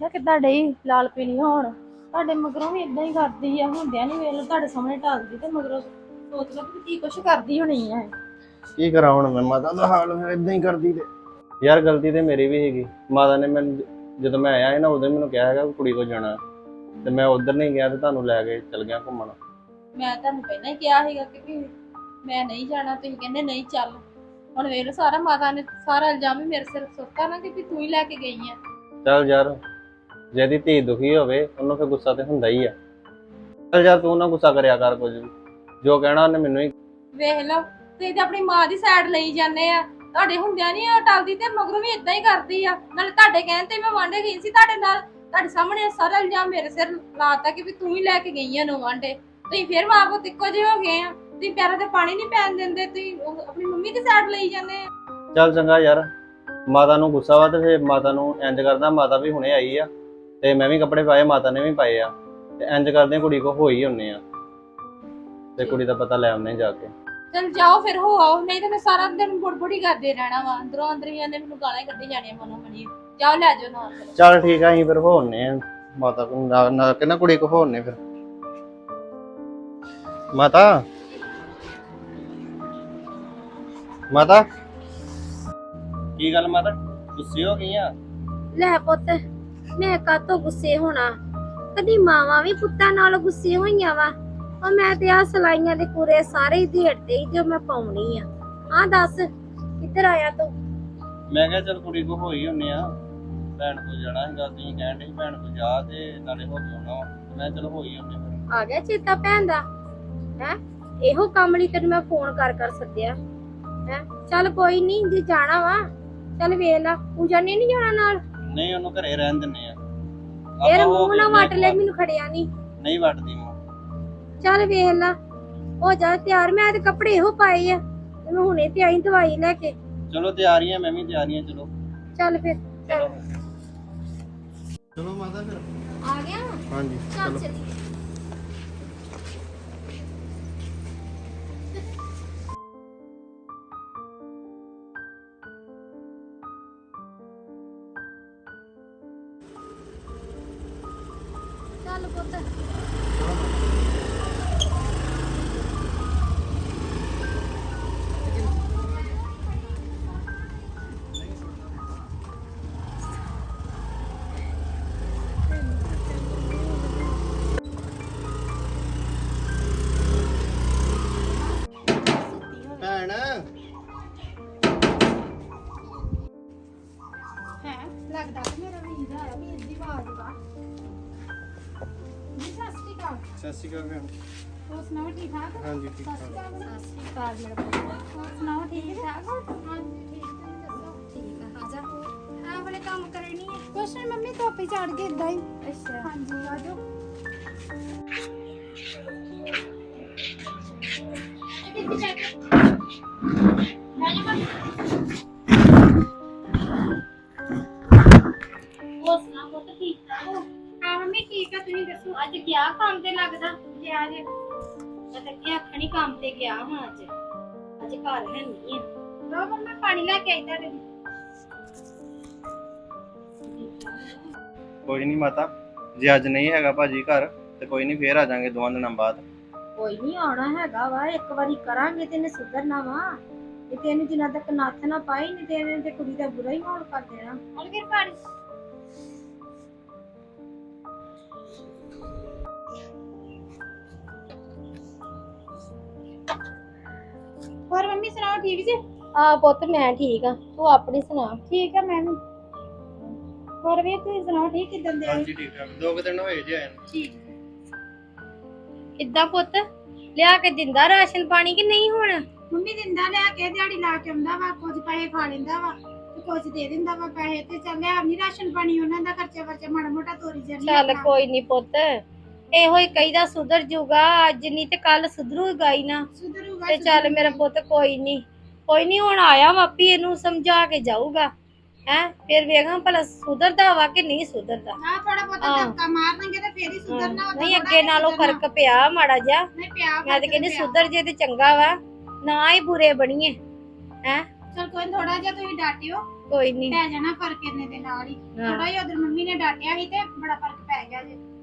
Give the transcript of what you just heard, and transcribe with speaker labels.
Speaker 1: ਵੇਖਿਆ ਕਿੱਦਾਂ ਡਈ ਲਾਲ ਪੀਲੀ ਹੋਣ। ਤੁਹਾਡੇ ਮਗਰੋਂ ਵੀ ਇਦਾਂ ਹੀ ਕਰਦੀ ਆ, ਹੁੰਦਿਆਂ ਨਹੀਂ ਵੇਖ ਲਓ ਤੁਹਾਡੇ ਸਾਹਮਣੇ ਢਾਲਦੀ ਤੇ ਮਗਰੋਂ ਸੋਚ ਲਓ ਕਿ ਕੀ ਕੁਛ ਕਰਦੀ ਹੋਣੀ ਆ।
Speaker 2: ਕੀ ਕਰਾਂ ਹੁਣ ਮੈਂ, ਮਾਤਾ ਦਾ ਹਾਲ ਹੋਇਆ ਇਦਾਂ ਹੀ ਕਰਦੀ ਤੇ। ਯਾਰ ਗਲਤੀ ਤੇ ਮੇਰੀ ਵੀ ਹੈਗੀ। ਮਾਤਾ ਨੇ ਮੈਨੂੰ ਜਦੋਂ ਮੈਂ ਆਇਆ ਸੀ ਨਾ ਉਦੋਂ ਮੈਨੂੰ ਕਿਹਾ ਹੈਗਾ ਕੁੜੀ ਕੋਲ ਜਾਣਾ, ਤੇ ਮੈਂ ਉਧਰ ਨਹੀਂ ਗਿਆ ਤੇ ਤੁਹਾਨੂੰ ਲੈ ਕੇ ਚਲ ਗਿਆ ਘੁੰਮਣ।
Speaker 1: ਮੈਂ ਤੁਹਾਨੂੰ ਪਹਿਲਾਂ ਹੀ ਕਿਹਾ ਸੀਗਾ ਕਿ ਵੀ ਮੈਂ ਨਹੀਂ ਜਾਣਾ, ਤੁਸੀਂ ਕਹਿੰਦੇ ਨਹੀਂ ਚੱਲ। ਹੁਣ ਵੇਖ ਲਓ ਸਾਰਾ ਮਾਤਾ ਨੇ ਸਾਰਾ ਇਲਜ਼ਾਮ ਹੀ ਮੇਰੇ ਸਿਰ ਸੁੱਟਤਾ ਨਾ ਕਿ ਵੀ ਤੂੰ ਹੀ ਲੈ ਕੇ ਗਈ ਆ।
Speaker 2: ਚੱਲ ਯਾਰ, ਜਿਹਦੀ ਧੀ ਦੁਖੀ ਹੋਵੇ ਉਹਨੂੰ ਫਿਰ ਗੁੱਸਾ ਤੇ ਹੁੰਦਾ ਹੀ ਆ। ਚੱਲ ਯਾਰ ਤੂੰ ਨਾ ਗੁੱਸਾ ਕਰਿਆ ਕਰ, ਕੁਝ ਵੀ ਜੋ ਕਹਿਣਾ ਉਹਨੇ ਮੈਨੂੰ ਹੀ।
Speaker 1: ਵੇਖ ਲਓ ਤੁਸੀਂ ਤੇ ਆਪਣੀ ਮਾਂ ਦੀ ਸਾਈਡ ਲਈ ਜਾਂਦੇ ਆ, ਤੁਹਾਡੇ ਹੁੰਦਿਆਂ ਨਹੀਂ ਉਹ ਟਲਦੀ ਤੇ ਮਗਰੋਂ ਵੀ ਇਦਾਂ ਹੀ ਕਰਦੀ ਆ। ਨਾਲੇ ਤੁਹਾਡੇ ਕਹਿਣ ਤੇ ਮੈਂ ਵਾਂਢੇ ਗਈ ਸੀ ਤੁਹਾਡੇ ਨਾਲ, ਤੁਹਾਡੇ ਸਾਹਮਣੇ ਸਾਰਾ ਇਲਜ਼ਾਮ ਮੇਰੇ ਸਿਰ ਲਾਤਾ ਕਿ ਵੀ ਤੂੰ ਹੀ ਲੈ ਕੇ ਗਈ ਆ ਨੂੰ ਵਾਂਢੇ। ਤੁਸੀਂ ਫਿਰ ਮਾਂ ਪੁੱਤ ਇੱਕੋ ਜਿਹੇ ਹੋ ਗਏ ਆ, ਤੁਸੀਂ ਪੈਰਾਂ ਤੇ ਪਾਣੀ ਨਹੀਂ ਪੈਣ ਦਿੰਦੇ, ਤੁਸੀਂ ਆਪਣੀ ਮੰਮੀ ਦੀ ਸਾਈਡ ਲਈ ਜਾਂਦੇ ਆ।
Speaker 2: ਚੱਲ ਚੰਗਾ ਯਾਰ, ਮਾਤਾ ਨੂੰ ਗੁੱਸਾ ਵਾ ਤੇ ਫਿਰ ਮਾਤਾ ਨੂੰ ਇੰਜ ਕਰਦਾ। ਮਾਤਾ ਵੀ ਹੁਣੇ ਆਈ ਆ ਤੇ ਮੈਂ ਵੀ ਕੱਪੜੇ ਪਾਏ, ਮਾਤਾ ਨੇ ਵੀ ਪਾਏ ਆ, ਤੇ ਇੰਜ ਕਰਦੇ ਕੁੜੀ ਕੋ ਹੋਈ ਹੁੰਨੇ ਆ ਤੇ ਕੁੜੀ ਦਾ ਪਤਾ ਲੈ ਆਉਨੇ ਜਾ ਕੇ।
Speaker 1: ਚਲ ਜਾਓ ਫਿਰ ਹੋ ਆਓ, ਨਹੀਂ ਤਾਂ ਮੈਂ ਸਾਰਾ ਦਿਨ ਬੁੜਬੁੜੀ ਕਰਦੇ ਰਹਿਣਾ ਵਾ। ਅੰਦਰੋਂ ਅੰਦਰ ਹੀ ਇਹਨੇ ਮੈਨੂੰ ਗਾਲਾਂ ਕੱਢੀ ਜਾਣੀਆਂ ਮਨੋਂ ਮਨੀ। ਜਾਓ ਲੈ ਜਾਓ ਨਾਲ।
Speaker 2: ਚੱਲ ਠੀਕ ਆ, ਅਸੀਂ ਫਿਰ ਹੋਣੇ ਆ ਮਾਤਾ ਕੋ ਨਾ ਕਿੰਨਾ ਕੁੜੀ ਕੋ ਹੋਣੇ ਫਿਰ। ਮਾਤਾ ਮਾਤਾ ਕੀ ਗੱਲ ਮਾਤਾ, ਗੁੱਸੇ ਹੋ ਗਈ ਆ?
Speaker 3: ਲੈ ਪੁੱਤ, ਮੈਂ ਕਾਹਤੋਂ ਗੁੱਸੇ ਹੋਣਾ? ਕਦੀ ਮਾਵਾਂ ਵੀ ਪੁੱਤਾਂ ਨਾਲ ਗੁੱਸੇ ਹੋਈਆਂ ਵਾ? ਉਹ ਮੈਂ ਤੇ ਆ ਸਲਾਈਆਂ ਦੇ ਪੂਰੇ ਸਾਰੇ ਹੀ ਢੇੜਦੇ ਹੀ ਜੋ ਮੈਂ ਪਾਉਣੀ ਆ। ਹਾਂ ਦੱਸ ਕਿੱਧਰ ਆਇਆ ਤੂੰ?
Speaker 2: ਮੈਂ ਕਿਹਾ ਚੱਲ ਕੁੜੀ ਕੋ ਹੋਈ ਹੁੰਨੇ ਆ, ਭੈਣ ਕੋ ਜਾਣਾ ਹੈਗਾ, ਤੁਸੀਂ ਕਹਿਣ ਦੇ ਭੈਣ ਕੋ ਜਾ ਤੇ ਨਾਲੇ ਹੋ ਕੇ ਆਉਣਾ। ਮੈਂ ਚਲ ਹੋਈ ਹੁੰਨੇ ਫਿਰ।
Speaker 3: ਆ ਗਿਆ ਚੇਤਾ ਭੈਣ ਦਾ? ਹੈ ਇਹੋ ਕੰਮ ਲਈ ਤੈਨੂੰ ਮੈਂ ਫੋਨ ਕਰ ਸੱਦਿਆ ਹੈ। ਚੱਲ ਕੋਈ ਨਹੀਂ, ਜੇ ਜਾਣਾ ਵਾ ਚੱਲ ਵੇਖ ਲਾ। ਪੂਜਾ ਨੇ ਨਹੀਂ ਜਾਣਾ ਨਾਲ?
Speaker 2: ਨਹੀਂ ਉਹਨੂੰ ਘਰੇ ਰਹਿਣ ਦਿੰਨੇ ਆ।
Speaker 3: ਯਾਰ ਮੂੰਹ ਨਾ ਵੱਟ ਲੈ, ਮੈਨੂੰ ਖੜਿਆ
Speaker 2: ਨਹੀਂ ਵੱਟਦੀ ਮੂੰਹ।
Speaker 3: ਚੱਲ ਵੇਖ ਲਾ, ਹੋ ਜਾ ਤਿਆਰ। ਮੈਂ ਤੇ ਕੱਪੜੇ ਇਹੋ ਪਾਏ ਆ ਤੇ ਮੈਂ ਹੁਣੇ ਤੇ ਆਈ ਦਵਾਈ ਲੈ ਕੇ।
Speaker 2: ਚਲੋ ਤਿਆਰੀਆਂ, ਮੈਂ ਵੀ ਤਿਆਰੀਆਂ। ਚਲੋ
Speaker 3: ਚੱਲ ਫਿਰ ਚੱਲ।
Speaker 2: ਚਲੋ ਮਾਤਾ ਫਿਰ
Speaker 3: ਆ ਗਿਆ?
Speaker 2: ਹਾਂਜੀ
Speaker 3: ਚੱਲ
Speaker 2: ਚਲੋ।
Speaker 3: ਚੱਲੀਏ। ਚੱਲ ਪੁੱਤ।
Speaker 2: ਭੈਣ
Speaker 3: ਹੈ ਲੱਗਦਾ ਕਿ ਮੇਰਾ ਵੀਰ ਆਇਆ, ਵੀਰ ਦੀ ਆਵਾਜ਼ ਵਾ। ਜੀ ਸਤਿ ਸ਼੍ਰੀ ਅਕਾਲ।
Speaker 2: ਸਤਿ ਸ਼੍ਰੀ ਅਕਾਲ ਭੈਣ।
Speaker 3: ਹੋਰ ਸੁਣਾਓ ਠੀਕ ਠਾਕ?
Speaker 2: ਹਾਂਜੀ ਠੀਕ ਠਾਕ।
Speaker 3: ਸਤਿ ਸ਼੍ਰੀ ਅਕਾਲ ਮੇਰਾ ਪੁੱਤ। ਹੋਰ ਸੁਣਾਓ ਠੀਕ ਠਾਕ? ਹਾਂਜੀ ਠੀਕ, ਤੁਸੀਂ ਦੱਸੋ? ਠੀਕ ਆ। ਆ ਜਾ। ਆ ਵਾਲੇ ਕੰਮ ਕਰਨੀ ਹੈ? ਕੁਛ ਨਹੀਂ ਮੰਮੀ, ਧੁੱਪ ਚੜ ਗਈ ਇਦਾਂ ਹੀ। ਅੱਛਾ ਹਾਂਜੀ, ਆ ਜਾਓ।
Speaker 1: ਹੋਰ ਸੁਣਾ ਪੁੱਤ, ਠੀਕ ਠਾਕ ਹੋ?
Speaker 3: ਹਾਂ ਮੰਮੀ ਠੀਕ ਆ, ਤੁਸੀਂ ਦੱਸੋ?
Speaker 1: ਅੱਜ ਗਿਆ ਕੰਮ ਤੇ ਲੱਗਦਾ?
Speaker 3: ਗਿਆ ਜੇ?
Speaker 1: ਮੈਂ ਤਾਂ ਕਿਹਾ ਆਖਣੀ ਕੰਮ ਤੇ ਗਿਆ ਹਾਂ ਅੱਜ ਘਰ ਹੈ ਨਹੀਂ ਆ।
Speaker 3: ਲਓ ਮੰਮੀ ਪਾਣੀ ਲੈ ਕੇ ਆਈ ਤੁਹਾਡੇ ਲਈ।
Speaker 2: ਕੋਈ ਨਹੀਂ ਮਾਤਾ, ਜੇ ਅੱਜ ਨਹੀਂ ਹੈਗਾ ਭਾਜੀ ਘਰ ਤੇ ਕੋਈ ਨਹੀਂ, ਫੇਰ ਆ ਜਾਾਂਗੇ 2 ਦਿਨਾਂ ਬਾਅਦ।
Speaker 3: ਕੋਈ ਨਹੀਂ ਆਉਣਾ ਹੈਗਾ ਵਾ, ਇੱਕ ਵਾਰੀ ਕਰਾਂਗੇ ਤੇ ਇਹਨੇ ਸੁਧਰਨਾ ਵਾ। ਇਹ ਤੇ ਇਹਨੂੰ ਜਿੰਨਾ ਤੱਕ ਨੱਥ ਨਾ ਪਾਈ ਨਹੀਂ ਤੇ ਇਹਨੇ ਤੇ ਕੁੜੀ ਦਾ ਬੁਰਾ ਹੀ ਹਾਲ ਕਰ ਦੇਣਾ।
Speaker 1: ਹੁਣ ਫਿਰ ਪਾਣੀ
Speaker 3: ਹੋਰ ਮੰਮੀ ਸੁਣਾਓ, ਠੀਕ ਜੀ? ਹਾਂ ਪੁੱਤ ਮੈਂ ਠੀਕ ਆ, ਤੂੰ ਆਪਣੀ ਸੁਣਾ? ਠੀਕ ਆ ਮੈਂ ਵੀ। ਹੋਰ ਵੀ ਤੁਸੀਂ ਸੁਣਾਓ, ਠੀਕ ਕਿਦਾਂ ਦੇ?
Speaker 2: ਹਾਂਜੀ ਠੀਕ ਠਾਕ। 2 ਦਿਨ ਹੋਏ ਜੇ ਆਏ ਨੂੰ।
Speaker 3: ਠੀਕ। ਕਿੱਦਾਂ ਪੁੱਤ, ਲਿਆ ਕੇ ਦਿੰਦਾ ਰਾਸ਼ਨ ਪਾਣੀ ਕਿ ਨਹੀਂ? ਹੁਣ
Speaker 4: ਮੰਮੀ ਦਿੰਦਾ ਲਿਆ ਕੇ, ਦਿਹਾੜੀ ਲਾ ਕੇ ਆਉਂਦਾ ਵਾ, ਕੁਝ ਪੈਸੇ ਖਾ ਲੈਂਦਾ ਵਾ ਤੇ ਕੁਝ ਦੇ ਦਿੰਦਾ ਵਾ ਪੈਸੇ। ਤੇ ਚੱਲ ਲਿਆ ਨਹੀਂ ਰਾਸ਼ਨ ਪਾਣੀ, ਉਹਨਾਂ ਦਾ ਖਰਚਾ ਵਰਚਾ ਮਾੜਾ ਮੋਟਾ ਤੋਰੀ ਜਾਂਦੀ
Speaker 3: ਚੱਲ ਕੋਈ ਨਹੀਂ ਪੁੱਤ, ਇਹੋ ਹੀ ਕਹੀਦਾ ਸੁਧਰ ਜੂਗਾ। ਅੱਜ ਨਹੀਂ ਤੇ ਕੱਲ ਸੁਧਰੂਗਾ ਹੀ ਨਾ।
Speaker 4: ਸੁਧਰੂਗਾ
Speaker 3: ਤੇ ਚੱਲ ਮੇਰਾ ਪੁੱਤ ਕੋਈ ਨਹੀਂ ਹੁਣ ਆਇਆ ਵਾਪੀ, ਇਹਨੂੰ ਸਮਝਾ ਕੇ ਜਾਊਗਾ। ਹੈ ਫਿਰ ਵੇਖਾਂ ਭਲਾ ਸੁਧਰਦਾ ਵਾ ਕਿ ਨਹੀਂ ਸੁਧਰਦਾ।
Speaker 4: ਹਾਂ ਥੋੜਾ ਬਹੁਤਾ ਧੱਕਾ ਮਾਰਨਗੇ ਤੇ ਫੇਰ ਹੀ ਸੁਧਰਨਾ।
Speaker 3: ਨਹੀਂ ਅੱਗੇ ਨਾਲੋਂ ਫਰਕ ਪਿਆ ਮਾੜਾ ਜਿਹਾ।
Speaker 4: ਨਹੀਂ ਪਿਆ।
Speaker 3: ਮੈਂ ਤੇ ਕਹਿੰਦੀ ਸੁਧਰ ਜੇ ਤੇ ਚੰਗਾ ਵਾ, ਨਾ ਹੀ ਬੁਰੇ ਬਣੀਏ। ਹੈ
Speaker 4: ਚਲ ਕੋਈ ਥੋੜਾ ਜਿਹਾ ਤੁਸੀਂ ਡਾਟਿਓ,
Speaker 3: ਕੋਈ ਨਹੀਂ
Speaker 4: ਪੈ ਜਾਣਾ ਫਰਕ ਇੰਨੇ ਦੇ ਨਾਲ ਹੀ ਥੋੜਾ ਜਿਹਾ ਉਧਰ ਮੰਮੀ ਨੇ ਡਾਂਟਿਆ ਸੀ ਤੇ ਬੜਾ ਫਰਕ ਪੈ ਗਿਆ ਜੇ